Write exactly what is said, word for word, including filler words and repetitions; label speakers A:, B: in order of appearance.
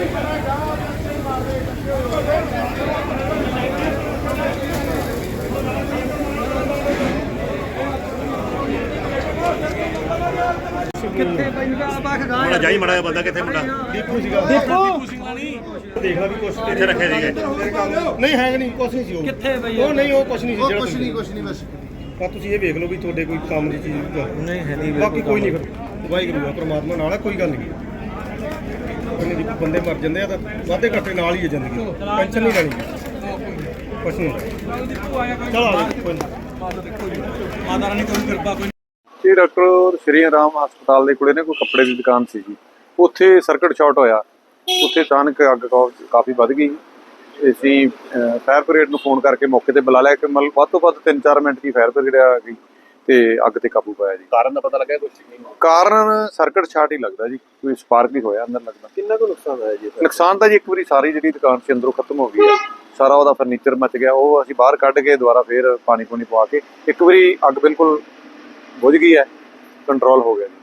A: ਕਿੱਥੇ ਪੈਂਦਾ ਬਾਖ ਗਾਂ
B: ਮੁੰਡਾ ਜਾਈ ਮੜਾ ਬੰਦਾ ਕਿੱਥੇ ਮੁੰਡਾ
C: ਦੀਪੂ ਸੀਗਾ
A: ਦੀਪੂ
C: ਸਿੰਘਾ ਨਹੀਂ ਦੇਖ ਲਾ ਵੀ ਕੁਛ
B: ਕਿੱਥੇ ਰੱਖੇ ਸੀਗੇ
C: ਨਹੀਂ ਹੈ ਨਹੀਂ ਕੁਛ ਨਹੀਂ ਸੀ ਉਹ
A: ਕਿੱਥੇ ਬਈ
C: ਉਹ ਨਹੀਂ ਉਹ ਕੁਛ ਨਹੀਂ ਸੀ
D: ਉਹ
C: ਜਿਹੜਾ
D: ਕੁਛ ਨਹੀਂ ਕੁਛ ਨਹੀਂ ਬਸ
C: ਪਰ ਤੁਸੀਂ ਇਹ ਵੇਖ ਲਓ ਵੀ ਤੁਹਾਡੇ ਕੋਈ ਕੰਮ ਦੀ ਚੀਜ਼
A: ਨਹੀਂ ਹੈ ਨਹੀਂ
C: ਬਾਕੀ ਕੋਈ ਨਹੀਂ ਫਿਰ ਵਾਹਿਗੁਰੂ ਆ ਪ੍ਰਮਾਤਮਾ ਨਾਲ ਆ ਕੋਈ ਗੱਲ ਨਹੀਂ ਉਹਨੇ ਜੀ ਬੰਦੇ ਮਰ ਜਾਂਦੇ ਆ ਤਾਂ ਵਾਧੇ ਘਾਟੇ ਨਾਲ ਹੀ ਹੈ ਜ਼ਿੰਦਗੀ ਟੈਨਸ਼ਨ ਨਹੀਂ ਲੈਣੀ ਕੁਛ ਨਹੀਂ ਚਲੋ ਆ ਜਾਓ, ਕੋਈ ਨਹੀਂ
A: ਮਾਤਾ ਰਾਣੀ ਕੋਈ ਕਿਰਪਾ ਕੋਈ
E: ਇਹ ਡਾਕਟਰ ਸ਼੍ਰੀ ਰਾਮ ਹਸਪਤਾਲ ਦੇ ਕੋਲੇ ਨੇ ਕੋਈ ਕੱਪੜੇ ਦੀ ਦੁਕਾਨ ਸੀ ਜੀ। ਉੱਥੇ ਸਰਕਟ ਸ਼ਾਰਟ ਹੋਇਆ, ਉੱਥੇ ਅਚਾਨਕ ਅੱਗ ਕਾਫੀ ਵੱਧ ਗਈ। ਅਸੀਂ ਫਾਇਰ ਬ੍ਰਿਗੇਡ ਨੂੰ ਫੋਨ ਕਰਕੇ ਮੌਕੇ ਤੇ ਬੁਲਾ ਲਿਆ ਕਿ ਮਤਲਬ ਵੱਧ ਤੋਂ ਵੱਧ ਤਿੰਨ ਚਾਰ ਮਿੰਟ ਦੀ ਫਾਇਰ ਬ੍ਰਿਗੇਡ ਆ ਗਈ ਤੇ ਅੱਗ ਤੇ ਕਾਬੂ ਪਾਇਆ ਜੀ।
B: ਕਾਰਨ ਦਾ ਪਤਾ ਲੱਗਿਆ ਕੁਝ
E: ਕਾਰਨ ਸਰਕਟ ਸ਼ਾਰਟ ਹੀ ਲੱਗਦਾ ਜੀ, ਕੋਈ ਸਪਾਰਕ ਹੀ ਹੋਇਆ ਅੰਦਰ ਲੱਗਦਾ।
B: ਕਿੰਨਾ ਕੁ ਨੁਕਸਾਨ ਹੋਇਆ ਜੀ?
E: ਨੁਕਸਾਨ ਤਾਂ ਜੀ ਇੱਕ ਵਾਰੀ ਸਾਰੀ ਜਿਹੜੀ ਦੁਕਾਨ ਸੀ ਅੰਦਰੋਂ ਖਤਮ ਹੋ ਗਈ ਹੈ, ਸਾਰਾ ਉਹਦਾ ਫਰਨੀਚਰ ਮੱਚ ਗਿਆ। ਉਹ ਅਸੀਂ ਬਾਹਰ ਕੱਢ ਕੇ ਦੁਬਾਰਾ ਫੇਰ ਪਾਣੀ ਪੂਣੀ ਪਵਾ ਕੇ ਇੱਕ ਵਾਰੀ ਅੱਗ ਬਿਲਕੁਲ ਬੁਝ ਗਈ ਹੈ, ਕੰਟਰੋਲ ਹੋ ਗਿਆ।